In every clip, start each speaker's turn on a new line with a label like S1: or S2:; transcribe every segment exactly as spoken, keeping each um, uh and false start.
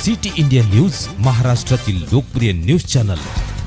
S1: City India news, महाराष्ट्रातील लोकप्रिय news channel.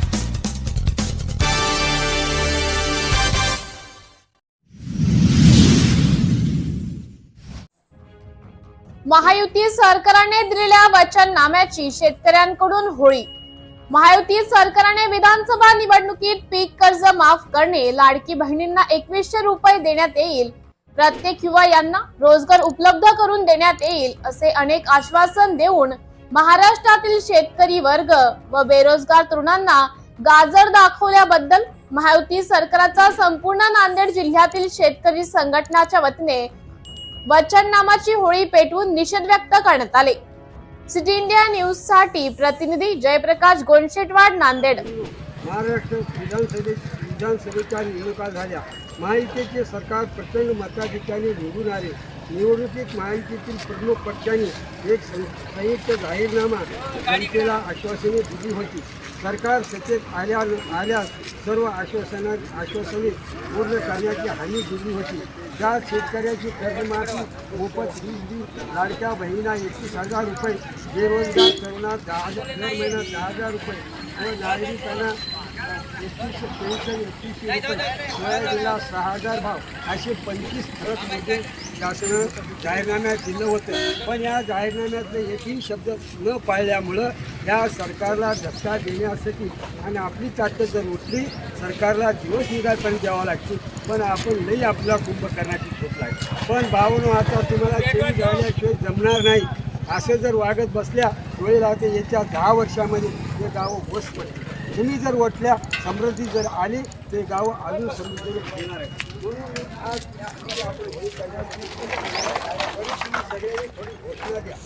S2: Mahayuti सरकारने दिलेल्या वचननाम्याची शेतकऱ्यांकडून होळी। महायुती सरकारने विधानसभा निवडणुकीत पीक कर्ज माफ करणे, लाडकी बहिणींना एकवीसशे रुपये देण्यात येईल, प्रत्येक युवा यांना रोजगार उपलब्ध करून देण्यात येईल असे अनेक आश्वासन देऊन महाराष्ट्रातील शेतकरी वर्ग व बेरोजगार तरुणांना गाजर दाखवल्याबद्दल महायुती सरकारचा संपूर्ण नांदेड जिल्ह्यातील शेतकरी संघटनाच्या वतीने वचननामाची होळी पेटवून निषेध व्यक्त करण्यात आले। सिटी इंडिया न्यूज साठी प्रतिनिधी जयप्रकाश गोंडशेटवाड, नांदेड।
S3: महाराष्ट्र विधानसभे विधानसभेच्या निवडणुका झाल्या। महायुतीचे सरकार प्रचंड मताधिक्याने निवडून आले। निवडणुकीत महायुतीतील प्रमुख पक्षांनी एक संयुक्त जाहीरनामा जनतेला आश्वासने दिली होती। सरकार सत्तेत आल्या आल्यास सर्व आश्वासना आश्वासने पूर्ण करण्याची हमी दिली होती। ज्या शेतकऱ्याची कर्जमाफी, मोफत वीज, लाडक्या बहिणींना एकवीस हजार रुपये, बेरोजगार तरुणांना दहा हजार दर महिना दहा हजार रुपये व नागरिकांना एकतीसशे पेन्शन एकतीसशे रुपये, सोयाबीनला सहा हजार भाव असे पंचवीस फरक मुद्दे शासनानं जाहीरनाम्यात दिलं होतं। पण या जाहीरनाम्यातले एकही शब्द न पाळल्यामुळं या सरकारला धक्का देण्यासाठी आणि आपली ताकद जर उठली, सरकारला दिवस निघायपर्यंत द्यावा लागते। पण आपण लई आपला कुंभ करण्याची झोप आहे। पण भावनो आता तुम्हाला चेंज झाल्याशिवाय जमणार नाही। असं जर वागत बसल्या वेळ राहते, येत्या दहा वर्षामध्ये हे गावं होस पडते। तुम्ही जर वटल्या, समृद्धी जर आली, ते गाव अजून समृद्धीने येणार आहे। म्हणून आज आपण होळी करण्याची सगळ्यांनी थोडी घोषणा द्या।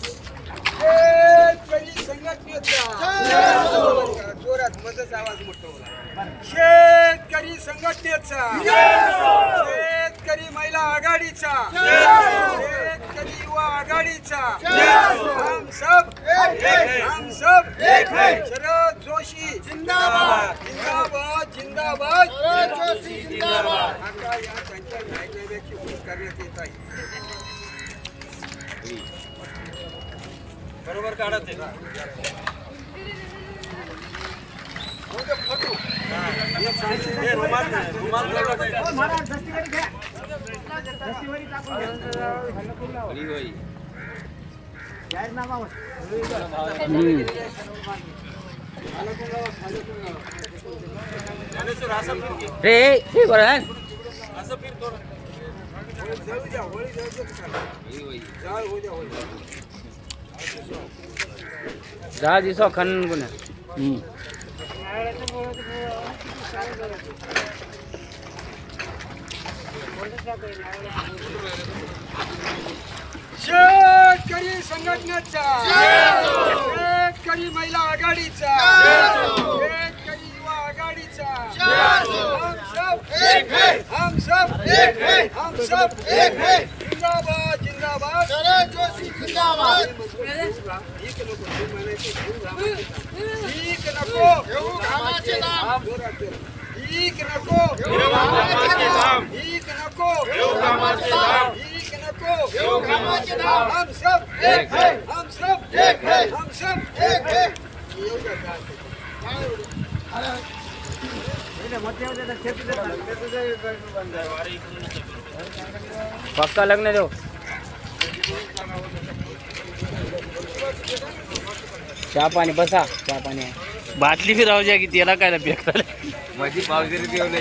S3: शेतकरी संघटनेचा जोरात मजच आवाज मोठा होला। शेतकरी संघटनेचा, शेतकरी महिला आघाडीचा, शेतकरी युवा आघाडीचा, हम सब हम सब शरद जोशी जिंदाबाद जिंदाबाद जिंदाबाद शरद जोशी जिंदाबाद। आता या त्यांच्या जाहीरनाम्याची होळी करण्यात येत आहे। बरोबर काढत आहे फोटो
S4: रे हे बरं आहे
S3: असं फिर थोडं जाऊ द्या, होळी जाऊ द्या, जाळ हो द्या होळी।
S4: दहा दिवसा खनन गुन्हा
S3: शेतकरी संघटनेचा, शेतकरी महिला आघाडीचा, शेतकरी युवा आघाडीचा, हम सब एक है, हम सब एक है, हम सब एक है, जिंदाबाद जिंदाबाद शरद जोशी जिंदाबाद। ठीक नको ठीक नको घामाचे दाम, ठीक नको घामाचे दाम, ठीक नको घामाचे दाम, ठीक नको घामाचे दाम। हम सब एक है, हम सब एक है, हम सब एक है।
S4: पक्का लग्न देऊ चहा पाणी बसा, चहा पाणी बाटली भी राहू द्या की त्याला काय पेक माझी पावगिरी ठेवली